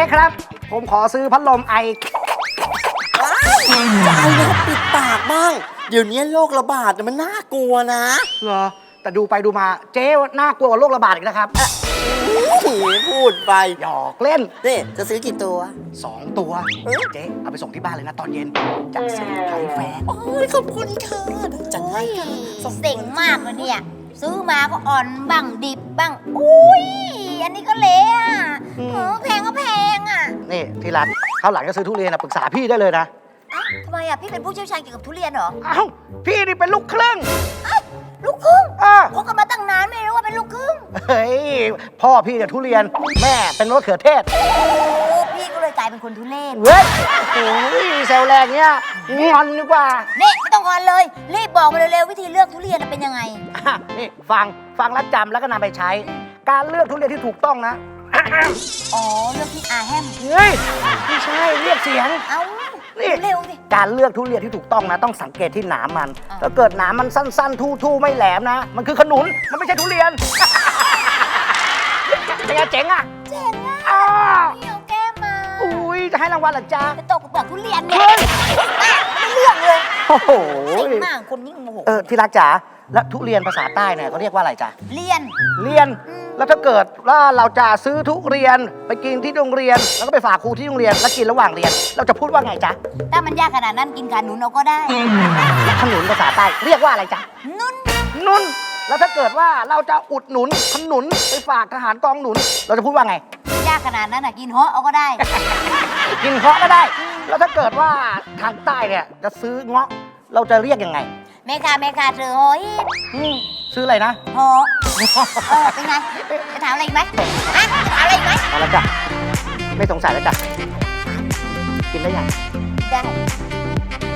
ครับ ผมขอซื้อพัดลมไอจะเอาเนี่ยปิดปากบ้าง เดี๋ยวนี้โรคระบาดมันน่ากลัวนะเหรอ แต่ดูไปดูมาเจ๊น่ากลัวกว่าโรคระบาดอีกนะครับพูดไปหยอกเล่นนี่จะซื้อกี่ตัว 2 ตัวเจ๊เอาไปส่งที่บ้านเลยนะตอนเย็นจะซื้อไผ่แฟนโอ้ยขอบคุณค่ะจังให้ค่ะเซ็งมากเลยเนี่ย ซื้อมาก็อ่อนบ้างดิบบ้าง อุ้ย อันนี้ก็เละอ่ะแพงก็แพงอ่ะนี่ที่รักคราวหลังจะซื้อทุเรียนนะปรึกษาพี่ได้เลยนะทำไมอ่ะ พี่เป็นผู้เชี่ยวชาญเกี่ยวกับทุเรียนเหรอเอ้าพี่นี่เป็นลูกครึ่งลูกครึ่งอ่ะคบกันมาตั้งนานไม่รู้ว่าเป็นลูกครึ่งเฮ้ยพ่อพี่เนี่ยทุเรียนแม่เป็นมะเขือเทศโอ้พี่ก็เลยกลายเป็นคนทุเรศเว้ยโอ้ยแซวแรงเนี้ยงอนดีกว่านี่ไม่ต้องงอนเลย รีบบอกมาเร็วๆวิธีเลือกทุเรียนเป็นยังไงอ่ะนี่ฟังแล้วจำแล้วก็นำไปใช้ การเลือกทุเรียนที่ถูกต้องนะอ๋อ เลือกที่อาแฮมเฮ้ยไม่ใช่เรียกเสียงเอ้านี่เร็วสิการเลือกทุเรียนที่ถูกต้องนะ ต้องสังเกตที่หนามมันอ่าถ้าเกิดหนามมันสั้นๆ ทู่ๆไม่แหลมนะ มันคือขนุนมันไม่ใช่ทุเรียน เป็นไงเจ๋งอ่ะเจ๋งอ่ะอ้าพี่เอาแก้มมาอุ้ยจะให้รางวัลเหรอจ๊ะไปตกกับเปลือกทุเรียนเนี่ยไม่เลือกเลยโอ้โหเซ็งมากคนยิ่งโมโหที่รักจ๋าแล้วทุเรียนภาษาใต้เนี่ยเขาเรียกว่าอะไรจ๊ะเรียนเรียน แล้วถ้าเกิดว่าเราจะซื้อทุเรียนไปกินที่โรงเรียน แล้วก็ไปฝากครูที่โรงเรียนแล้วกินระหว่างเรียน เราจะพูดว่าไงจ๊ะถ้ามันยากขนาดนั้นกินขาหนูเราก็ได้ขนุนภาษาใต้เรียกว่าอะไรจ๊ะนุ่นนุนแล้วถ้าเกิดว่าเราจะอุดหนุนขนุนไปฝากทหารกองหนุน เราจะพูดว่าไงยากขนาดนั้นอ่ะกินเหาะเอาก็ได้กินเคาะก็ได้ แล้วถ้าเกิดว่าทางใต้เนี่ยจะซื้อเงาะเราจะเรียกยังไงแม่ค้าเธอโอ้ยซื้ออะไรนะเหาะเป็นไง จะถามอะไรอีกไหมฮะจะถามอะไรอีกไหมเอาละจ้ะไม่สงสัยแล้วจ้ะกินได้ยังได้